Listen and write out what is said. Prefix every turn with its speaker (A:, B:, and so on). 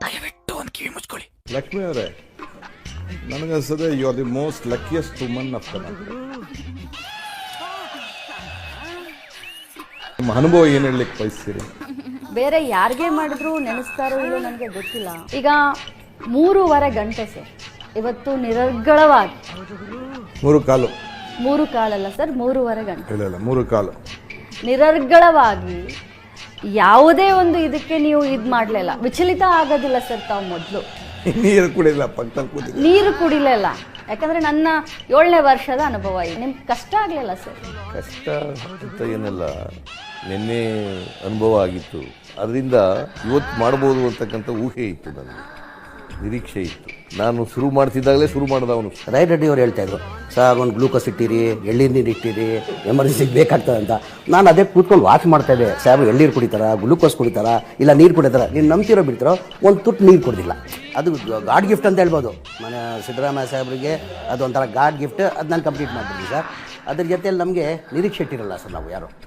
A: ದಯವಿಟ್ಟು ಒಂದು ಕಿವಿ ಮುಚ್ಕೊಳ್ಳಿ.
B: ಲಕ್ಷ್ಮಿ ಅವರೇ, ನನಗನ್ಸದೆ you are the most luckiest woman of Karnataka. ನಿಮ್ಮ ಅನುಭವ ಏನು ಹೇಳಲಿಕ್ಕೆ ಬಯಸ್ತೀರಿ?
C: ಬೇರೆ ಯಾರಿಗೆ ಮಾಡಿದ್ರು ನೆನೆಸ್ತಾರೋ ಇಲ್ಲೋ ನನಗೆ ಗೊತ್ತಿಲ್ಲ. ಈಗ 3.5 ಗಂಟೆ ಸರ್ ಇವತ್ತು ನಿರರ್ಗಳವಾಗಿ 3 ಕಾಲಲ್ಲ ಸರ್, 3.5 ಗಂಟೆ
B: ಇಲ್ಲ 3 ಕಾಲು
C: ನಿರರ್ಗಳವಾಗಿ ಯಾವುದೇ ಒಂದು ಇದಕ್ಕೆ ನೀವು ಇದು ಮಾಡಲಿಲ್ಲ, ವಿಚಲಿತ ಆಗೋದಿಲ್ಲ ಸರ್. ತಾವು ಮೊದಲು
B: ನೀರು ಕುಡಿಲ್ಲ, ಪಕ್ಕದಲ್ಲಿ ಕೂತಿ
C: ನೀರು ಕುಡಿಲಿಲ್ಲ. ಯಾಕಂದ್ರೆ ನನ್ನ 7ನೇ ವರ್ಷದ ಅನುಭವ ಇದೆ. ನಿಮ್ಗೆ ಕಷ್ಟ ಆಗಲಿಲ್ಲ ಸರ್?
D: ಕಷ್ಟ ಅಂತ ಏನೆಲ್ಲ ನಿನ್ನೆ ಅನುಭವ ಆಗಿತ್ತು, ಅದರಿಂದ ಇವತ್ತು ಮಾಡ್ಬೋದು ಅಂತಕ್ಕಂಥ ಊಹೆ ಇತ್ತು, ನನಗೆ ನಿರೀಕ್ಷೆ ಇತ್ತು. ನಾನು ಶುರು ಮಾಡ್ತಿದ್ದಾಗಲೇ ಶುರು ಮಾಡಿದವನು.
E: ರಾಯ್ ರೆಡ್ಡಿ ಅವ್ರು ಹೇಳ್ತಾ ಇದ್ರು, ಸರ್ ಒಂದು ಗ್ಲೂಕೋಸ್ ಇಟ್ಟಿರಿ, ಎಳ್ನೀರು ನೀರು ಇಟ್ಟಿರಿ, ಎಮರ್ಜೆನ್ಸಿಗೆ ಬೇಕಾಗ್ತದೆ ಅಂತ. ನಾನು ಅದೇ ಕೂತ್ಕೊಂಡು ವಾಚ್ ಮಾಡ್ತಾ ಇದ್ದೆ. ಸಾಹೇಬ್ರು ಎಳ್ನೀರು ಕುಡಿತಾರ, ಗ್ಲೂಕೋಸ್ ಕುಡಿತಾರ, ಇಲ್ಲ ನೀರು ಕುಡಿತಾರ, ನೀನು ನಂಬ್ತಿರೋ ಬಿಡ್ತಾರೋ ಒಂದು ತುಟ್ಟು ನೀರು ಕೊಡೋದಿಲ್ಲ. ಅದು ಗಾಡ್ ಗಿಫ್ಟ್ ಅಂತ ಹೇಳ್ಬೋದು. ಮನೆ ಸಿದ್ದರಾಮಯ್ಯ ಸಾಹೇಬ್ರಿಗೆ ಅದು ಒಂಥರ ಗಾಡ್ ಗಿಫ್ಟ್. ಅದು ನಾನು ಕಂಪ್ಲೀಟ್ ಮಾಡ್ಬಿಡ್ತೀನಿ ಸರ್. ಅದ್ರ ಜೊತೆಯಲ್ಲಿ ನಮಗೆ ನಿರೀಕ್ಷೆ ಇಟ್ಟಿರಲ್ಲ ಸರ್ ನಾವು ಯಾರು.